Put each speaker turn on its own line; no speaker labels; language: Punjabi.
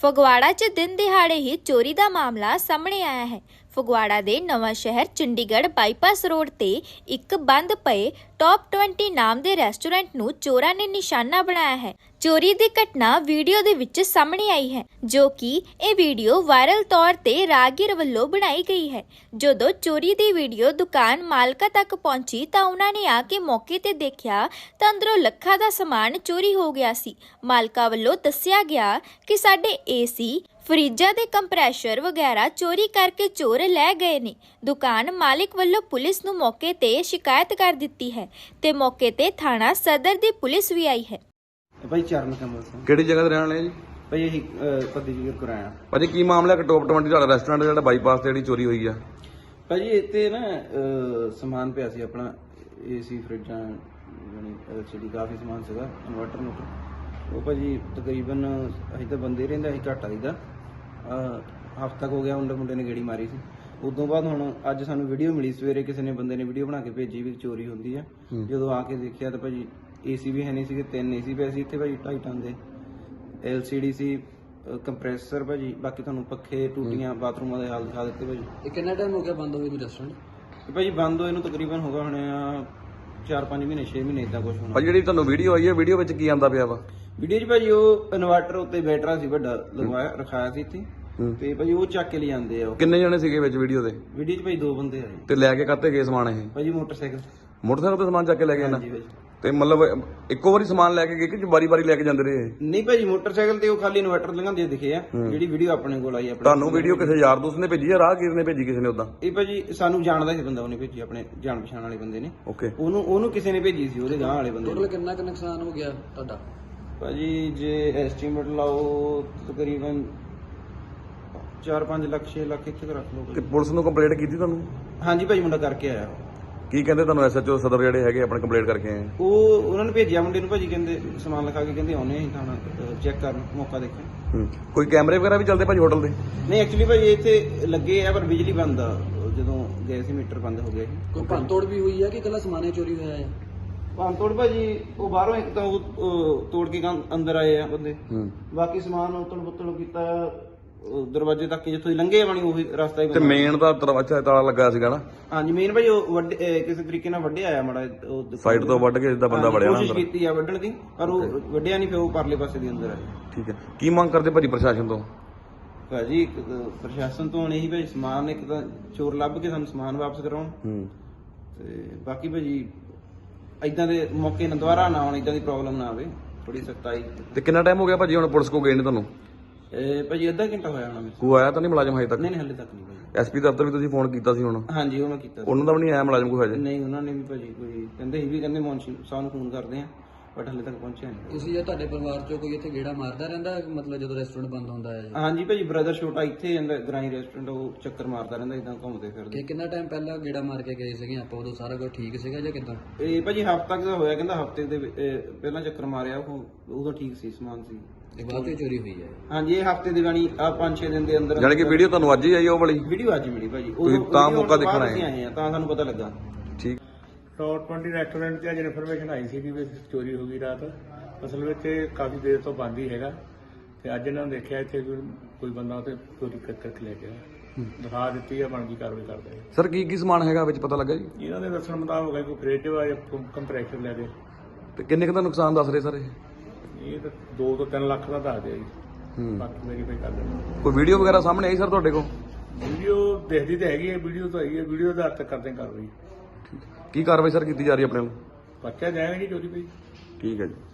ਫਗਵਾੜਾ 'ਚ ਦਿਨ ਦਿਹਾੜੇ ਹੀ ਚੋਰੀ ਦਾ ਮਾਮਲਾ ਸਾਹਮਣੇ ਆਇਆ ਹੈ। ਫਗਵਾੜਾ ਦੇ ਨਵਾਂ ਸ਼ਹਿਰ ਚੰਡੀਗੜ੍ਹ ਬਾਈਪਾਸ ਰੋਡ ਤੇ ਇੱਕ ਬੰਦ ਪਏ ਟੌਪ 20 ਨਾਮ ਦੇ ਰੈਸਟੋਰੈਂਟ ਨੂੰ ਚੋਰਾਂ ਨੇ ਨਿਸ਼ਾਨਾ ਬਣਾਇਆ ਹੈ। ਚੋਰੀ ਦੀ ਘਟਨਾ ਵੀਡੀਓ ਦੇ ਵਿੱਚ ਸਾਹਮਣੇ ਆਈ ਹੈ, ਜੋ ਕਿ ਇਹ ਵੀਡੀਓ ਵਾਇਰਲ ਤੌਰ ਤੇ ਰਾਹਗੀਰ ਵੱਲੋਂ ਬਣਾਈ ਗਈ ਹੈ। ਜਦੋਂ ਚੋਰੀ ਦੀ ਵੀਡੀਓ ਦੁਕਾਨ ਮਾਲਕਾਂ ਤੱਕ ਪਹੁੰਚੀ ਤਾਂ ਉਹਨਾਂ ਨੇ ਆ ਕੇ ਮੌਕੇ ਤੇ ਦੇਖਿਆ ਤਾਂ ਅੰਦਰੋਂ ਲੱਖਾਂ ਦਾ ਸਮਾਨ ਚੋਰੀ ਹੋ ਗਿਆ ਸੀ। ਮਾਲਕਾਂ ਵੱਲੋਂ ਦੱਸਿਆ ਗਿਆ ਕਿ ਸਾਡੇ ਏਸੀ, ਫਰਿੱਜਾਂ ਦੇ ਕੰਪਰੈਸ਼ਰ ਵਗੈਰਾ ਚੋਰੀ ਕਰਕੇ ਚੋਰ ਲੈ ਗਏ ਨੇ। ਦੁਕਾਨ ਮਾਲਿਕ ਵੱਲੋਂ ਪੁਲਿਸ ਨੂੰ ਮੌਕੇ ਤੇ ਸ਼ਿਕਾਇਤ ਕਰ ਦਿੱਤੀ ਹੈ ਤੇ ਮੌਕੇ ਤੇ ਥਾਣਾ ਸਦਰ ਦੀ ਪੁਲਿਸ ਵੀ ਆਈ ਹੈ।
ਭਾਈ ਚਰਨ ਕਮਲ ਸਿੰਘ।
ਕਿਹੜੀ ਜਗ੍ਹਾ ਤੇ ਰਹਿਣ ਵਾਲੇ ਜੀ?
ਭਾਈ ਅਸੀਂ ਪੱਦੀ ਜੀ ਕਰਾਇਆ।
ਭਾਜੀ ਕੀ ਮਾਮਲਾ ਕਿ ਟੌਪ 20 ਤੁਹਾਡਾ ਰੈਸਟੋਰੈਂਟ ਜਿਹੜਾ ਬਾਈਪਾਸ ਤੇ ਜਿਹੜੀ ਚੋਰੀ ਹੋਈ ਆ?
ਭਾਜੀ ਇੱਥੇ ਨਾ ਸਮਾਨ ਪਿਆ ਸੀ ਆਪਣਾ, ਏਸੀ, ਫਰਿੱਜਾਂ, ਯਾਨੀ ਐਲਸੀਡੀ, ਕਾਫੀ ਸਮਾਨ ਸੀਗਾ, ਇਨਵਰਟਰ। ਉਹ ਭਾਜੀ ਤਕਰੀਬਨ ਅਸੀਂ ਤਾਂ ਬੰਦੇ ਰਹਿੰਦਾ ਅਸੀਂ ਘੱਟ ਆਈਦਾ, ਹਫ਼ਤਾ ਹੋ ਗਿਆ ਮੁੰਡੇ ਨੇ ਗੇੜੀ ਮਾਰੀ ਸੀ। ਉਦੋਂ ਬਾਅਦ ਹੁਣ ਅੱਜ ਸਾਨੂੰ ਵੀਡੀਓ ਮਿਲੀ ਸਵੇਰੇ, ਕਿਸੇ ਨੇ ਬੰਦੇ ਨੇ ਵੀਡੀਓ ਬਣਾ ਕੇ ਭੇਜੀ ਵੀ ਚੋਰੀ ਹੁੰਦੀ ਆ। ਜਦੋਂ ਆ ਕੇ ਦੇਖਿਆ ਤਾਂ ਭਾਜੀ ਏਸੀ ਵੀ ਹੈ ਨਹੀਂ ਸੀਗੇ, 3 ਏਸੀ ਪਏ ਸੀ ਇੱਥੇ ਭਾਜੀ, 2.5 ਟਨ ਦੇ LCD ਸੀ, ਕੰਪਰੈਸਰ ਭਾਜੀ, ਬਾਕੀ ਤੁਹਾਨੂੰ ਪੱਖੇ, ਟੂਟੀਆਂ, ਬਾਥਰੂਮਾਂ ਦੇ ਹਾਲ ਦਿਖਾ ਦਿੱਤੇ ਭਾਜੀ।
ਇਹ ਕਿੰਨਾ ਟਾਈਮ ਹੋ ਗਿਆ ਬੰਦ ਹੋਏ ਨੂੰ ਰੈਸਟੋਰੈਂਟ?
ਤੇ ਭਾਜੀ ਬੰਦ ਹੋਏ ਨੂੰ ਤਕਰੀਬਨ ਹੋ ਗਿਆ ਹੋਣੇ 4-5 ਮਹੀਨੇ, 6 ਮਹੀਨੇ ਇਦਾਂ ਕੁਝ ਹੋਣਾ।
ਭਾਜੀ ਜਿਹੜੀ ਤੁਹਾਨੂੰ ਵੀਡੀਓ ਆਈ ਹੈ, ਵੀਡੀਓ ਵਿੱਚ ਕੀ ਆਂਦਾ ਪਿਆ ਵਾ?
ਵੀਡੀਓ 'ਚ ਭਾਜੀ ਉਹ ਇਨਵਰਟਰ ਉੱਤੇ ਬੈਟਰਾ ਸੀ ਵੱਡਾ ਲਗਵਾਇਆ ਰਖਾਇਆ ਸੀ ਇੱਥੇ, ਤੇ ਭਾਜੀ ਉਹ ਚੱਕ ਕੇ ਲੈ ਜਾਂਦੇ ਆ।
ਕਿੰਨੇ ਜਣੇ ਸੀਗੇ ਵਿੱਚ ਵੀਡੀਓ ਦੇ?
ਵੀਡੀਓ 'ਚ ਭਾਜੀ 2 ਬੰਦੇ ਆਏ
ਤੇ ਲੈ ਕੇ ਕਾਹਤੇ ਗਏ ਸਮਾਨ? ਇਹ
ਭਾਜੀ ਮੋਟਰਸਾਈਕਲ
ਤੇ ਸਮਾਨ ਚੱਕ ਕੇ ਲੈ ਗਏ ਨਾ?
ਹਾਂਜੀ ਭਾਜੀ।
ਤੇ ਮਤਲਬ ਇੱਕੋ ਵਾਰੀ ਸਮਾਨ ਲੈ ਕੇ ਗਏ ਕਿ ਵਾਰੀ ਲੈ ਕੇ ਜਾਂਦੇ ਰਹੇ?
ਨਹੀਂ ਭਾਜੀ, ਮੋਟਰਸਾਈਕਲ ਤੇ ਉਹ ਖਾਲੀ ਇਨਵਰਟਰ ਲੰਘਾਉਂਦੇ ਦਿਖੇ ਆ। ਜਿਹੜੀ ਵੀਡੀਓ ਆਪਣੇ ਕੋਲ ਆਈ ਆਪਣੇ
ਤੁਹਾਨੂੰ ਵੀਡੀਓ ਕਿਸੇ ਯਾਰ ਦੋਸਤ ਨੇ ਭੇਜੀ ਜਾਂ ਰਾਹਗੀਰ ਨੇ ਭੇਜੀ ਕਿਸੇ ਨੇ? ਉਦਾਂ
ਇਹ ਭਾਜੀ ਸਾਨੂੰ ਜਾਣਦਾ ਸੀ ਬੰਦਾ, ਉਹਨੇ ਭੇਜੀ, ਆਪਣੇ ਜਾਣ ਪਛਾਣ ਵਾਲੇ ਬੰਦੇ ਨੇ।
ਓਕੇ।
ਉਹਨੂੰ ਕਿਸੇ ਨੇ ਭੇਜੀ ਸੀ, ਉਹਦੇ ਗਾਂ ਵਾਲੇ ਬੰਦੇ
ਟੋਟਲ
ਨੇ।
ਕਿੰਨਾ ਕੁ ਨੁਕਸਾਨ ਹੋ ਗਿਆ ਤੁਹਾਡਾ?
ਭਾਜੀ ਜੇ ਐਸਟੀਮੇਟ ਲਾਓ ਤਕਰੀਬਨ 4-5 ਲੱਖ 6 ਲੱਖ ਇੱਥੇ ਕੁ ਰੱਖ ਲਓ।
ਤੇ ਪੁਲਿਸ ਨੂੰ ਕੰਪਲੇਂਟ ਕੀਤੀ ਤੁਹਾਨੂੰ?
ਹਾਂਜੀ ਭਾਜੀ, ਮੁੰਡਾ ਕਰਕੇ ਆਇਆ।
ਕੀ ਕਹਿੰਦੇ ਤੁਹਾਨੂੰ? SHO ਸਦਰ ਜਿਹੜੇ ਹੈਗੇ ਆਪਣੇ ਕੰਪਲੇਂਟ ਕਰਕੇ ਆਏ?
ਉਹਨਾਂ ਨੇ ਭੇਜਿਆ ਮੁੰਡੇ ਨੂੰ ਭਾਜੀ, ਕਹਿੰਦੇ ਸਮਾਨ ਲਿਖਾ ਕੇ ਕਹਿੰਦੇ ਆਉਣੇ ਅਸੀਂ ਥਾਣਾ ਚੈੱਕ ਕਰਨ, ਮੌਕਾ ਦੇਖਣ।
ਕੋਈ ਕੈਮਰੇ ਵਗੈਰਾ ਵੀ ਚੱਲਦੇ ਭਾਜੀ ਹੋਟਲ ਦੇ?
ਨਹੀਂ ਐਕਚੁਅਲੀ ਭਾਜੀ ਇੱਥੇ ਲੱਗੇ ਆ ਪਰ ਬਿਜਲੀ ਬੰਦ ਆ, ਜਦੋਂ ਗਏ ਸੀ ਮੀਟਰ ਬੰਦ ਹੋ ਗਿਆ ਸੀ।
ਕੋਈ ਭੰਨਤੋੜ ਵੀ ਹੋਈ ਹੈ ਕਿ ਇਕੱਲਾ ਸਮਾਨੇ ਚੋਰੀ ਹੋਇਆ ਹੈ?
ਭੰਨਤੋੜ ਭਾਜੀ ਉਹ ਬਾਹਰੋਂ ਇੱਕ ਤਾਂ ਉਹ ਤੋੜ ਕੇ ਅੰਦਰ ਆਏ ਆ ਬੰਦੇ, ਬਾਕੀ ਸਮਾਨ ਉਤਲ ਕੀਤਾ ਦਰਵਾਜ਼ੇ ਤੱਕ ਜਿੱਥੋਂ ਦੀ ਲੰਘੇ ਬਣੀ ਉਹੀ ਰਸਤਾ ਹੀ
ਤੇ ਮੇਨ ਦਾ ਦਰਵਾਜ਼ਾ ਤਾਲਾ ਲੱਗਾ ਸੀਗਾ ਨਾ?
ਹਾਂਜੀ ਮੇਨ ਭਾਜੀ ਉਹ ਕਿਸੇ ਤਰੀਕੇ ਨਾਲ ਵੱਢਿਆ ਆਇਆ ਮਾੜਾ, ਉਹ
ਸਾਈਡ ਤੋਂ ਵੱਢ ਕੇ ਜਿੱਦਾਂ ਬੰਦਾ ਵੜਿਆ ਨਾ
ਕੋਸ਼ਿਸ਼
ਅੰਦਰ।
ਕੀਤੀ ਆ ਵੱਢਣ ਦੀ, ਪਰ ਉਹ ਵੱਢਿਆ ਨਹੀਂ, ਫਿਰ ਉਹ ਪਰਲੇ ਪਾਸੇ ਦੇ ਅੰਦਰ ਆਏ।
ਠੀਕ ਹੈ। ਕੀ ਮੰਗ ਕਰਦੇ ਭਾਜੀ ਪ੍ਰਸ਼ਾਸਨ ਤੋਂ?
ਭਾਜੀ ਪ੍ਰਸ਼ਾਸਨ ਤੋਂ ਹੁਣ ਇਹੀ ਭਾਜੀ ਸਮਾਨ ਇੱਕ ਤਾਂ ਚੋਰ ਲੱਭ ਕੇ ਸਾਨੂੰ ਸਮਾਨ ਵਾਪਸ ਕਰਾਉਣ, ਤੇ ਬਾਕੀ ਭਾਜੀ ਇਦਾਂ ਦੇ ਮੌਕੇ ਨਾ ਦੁਬਾਰਾ ਨਾ ਆਉਣ, ਇਦਾਂ ਦੀ ਪ੍ਰੋਬਲਮ ਨਾ ਆਵੇ, ਥੋੜੀ ਸਖਤਾਈ।
ਤੇ ਕਿੰਨਾ ਟਾਈਮ ਹੋ ਗਿਆ ਭਾਜੀ ਹੁਣ ਪੁਲਿਸ ਕੋ ਗਏ ਨੇ ਤੁਹਾਨੂੰ?
ਭਾਜੀ ਅੱਧਾ ਘੰਟਾ ਹੋਇਆ ਹੋਣਾ ਮੈਨੂੰ।
ਕੋਈ ਆਇਆ ਤਾਂ ਨਹੀਂ ਮੁਲਾਜ਼ਮ ਹਜੇ ਤੱਕ?
ਨਹੀਂ ਹਲੇ ਤੱਕ ਨਹੀਂ ਭਾਜੀ।
SP ਦਫ਼ਤਰ ਵੀ ਤੁਸੀਂ ਫੋਨ ਕੀਤਾ ਸੀ ਹੁਣ?
ਹਾਂਜੀ ਉਹ ਮੈਂ ਕੀਤਾ।
ਉਹਨਾਂ ਦਾ ਵੀ ਨਹੀਂ ਆਇਆ ਮੁਲਾਜ਼ਮ ਕੋਈ ਹਜੇ?
ਨਹੀਂ ਉਹਨਾਂ ਨੇ ਵੀ ਭਾਜੀ ਕੋਈ ਕਹਿੰਦੇ ਸੀ ਵੀ ਕਹਿੰਦੇ ਮੌਨਸੂਨ ਸਾਹਿਬ ਨੂੰ ਫੋਨ ਕਰਦੇ ਆ, ਬਟ ਹਲੇ ਤੱਕ ਪਹੁੰਚਿਆ ਨਹੀਂ।
ਤੁਸੀਂ ਜਾਂ ਤੁਹਾਡੇ ਪਰਿਵਾਰ ਚੋਂ ਕੋਈ ਇੱਥੇ ਗੇੜਾ ਮਾਰਦਾ ਰਹਿੰਦਾ ਮਤਲਬ ਜਦੋਂ ਰੈਸਟੋਰੈਂਟ ਬੰਦ ਹੁੰਦਾ ਹੈ?
ਹਾਂਜੀ ਭਾਜੀ ਬ੍ਰਦਰ ਛੋਟਾ ਇੱਥੇ ਜਾਂਦਾ ਗ੍ਰਾਈ ਰੈਸਟੋਰੈਂਟ, ਉਹ ਚੱਕਰ ਮਾਰਦਾ ਰਹਿੰਦਾ ਇਦਾਂ ਘੁੰਮਦੇ ਫਿਰਦੇ।
ਕਿ ਕਿੰਨਾ ਟਾਈਮ ਪਹਿਲਾਂ ਗੇੜਾ ਮਾਰ ਕੇ ਗਏ ਸੀਗੇ ਆਪਾਂ, ਉਦੋਂ ਸਾਰਾ ਕੁਝ ਠੀਕ ਸੀਗਾ ਜਾਂ ਕਿੱਦਾਂ?
ਇਹ ਭਾਜੀ ਹਫ਼ਤਾ ਕੁ ਦਾ ਹੋਇਆ, ਕਹਿੰਦਾ ਹਫ਼ਤੇ ਦੇ ਪਹਿਲਾਂ ਚੱਕਰ ਮਾਰਿਆ, ਉਹ ਉਦੋਂ ਠੀਕ ਸੀ, ਸਮਾਨ ਸੀ।
ਇਹ ਬਾਅਦ ਵਿੱਚ ਚੋਰੀ ਹੋਈ ਹੈ?
ਹਾਂਜੀ ਇਹ ਹਫ਼ਤੇ ਦੀ ਬਾਣੀ ਆ 5-6 ਦਿਨ ਦੇ ਅੰਦਰ।
ਜਾਣੀ ਕਿ ਵੀਡੀਓ ਤੁਹਾਨੂੰ ਅੱਜ ਹੀ ਆਈ ਉਹ ਵਾਲੀ?
ਵੀਡੀਓ ਅੱਜ ਮਿਲੀ ਭਾਜੀ,
ਤੁਸੀਂ ਤਾਂ ਮੌਕਾ ਦੇਖਣ ਆਏ?
ਆਏ ਆ ਤਾਂ ਸਾਨੂੰ ਪਤਾ ਲੱਗਾ।
ਠੀਕ।
ਟੌਪ 20 ਰੈਸਟੋਰੈਂਟ 'ਤੇ ਅੱਜ ਇਨਫੋਰਮੇਸ਼ਨ ਆਈ ਸੀ ਕਿ ਚੋਰੀ ਹੋ ਗਈ ਰਾਤ। ਅਸਲ ਵਿੱਚ ਇਹ ਕਾਫੀ ਦੇਰ ਤੋਂ ਬੰਦ ਹੀ ਹੈਗਾ, ਤੇ ਅੱਜ ਇਹਨਾਂ ਨੇ ਦੇਖਿਆ ਇੱਥੇ ਕੋਈ ਬੰਦਾ ਤੇ ਚੋਰੀ ਕਰਕੇ ਲੈ ਗਿਆ। ਦਿਖਾ ਦਿੱਤੀ ਆ, ਬਣਦੀ ਕਾਰਵਾਈ ਕਰਦੇ ਆ।
ਸਰ ਕੀ ਸਮਾਨ ਹੈਗਾ ਵਿੱਚ ਪਤਾ ਲੱਗਾ ਜੀ?
ਇਹਨਾਂ ਦੇ ਦੱਸਣ ਮੁਤਾਬਕ ਹੈ ਕੋਈ ਫਰਿੱਜ ਵਾ ਜਾਂ ਕੰਪਰੈਸ਼ਰ ਲੈ ਗਏ।
ਤੇ ਕਿੰਨੇ ਕੁ ਦਾ ਨੁਕਸਾਨ ਦੱਸ ਰਹੇ ਸਰ
ਇਹ ਤਾਂ 2 ਤੋਂ 3 ਲੱਖ ਦਾ ਦੱਸ ਦਿਆ ਜੀ, ਬਾਕੀ ਵੈਰੀਫਾਈ ਕਰ ਲੈਣਾ।
ਕੋਈ ਵੀਡੀਓ ਵਗੈਰਾ ਸਾਹਮਣੇ ਆਈ ਸਰ ਤੁਹਾਡੇ ਕੋਲ?
ਵੀਡੀਓ ਦੇਖਦੀ ਤਾਂ ਹੈਗੀ ਹੈ, ਵੀਡੀਓ ਤਾਂ ਹੈਗੀ ਹੈ, ਵੀਡੀਓ ਦਾ ਅਰਥ ਕਰਦੇ ਕਾਰਵਾਈ।
ਕੀ ਕਾਰਵਾਈ ਸਰ ਕੀਤੀ ਜਾ ਰਹੀ ਹੈ ਆਪਣੇ ਵੱਲੋਂ?
ਬੱਚਾ ਜਾਏਗਾ ਜੀ ਚੋਰੀ ਪਈ।
ਠੀਕ ਹੈ ਜੀ।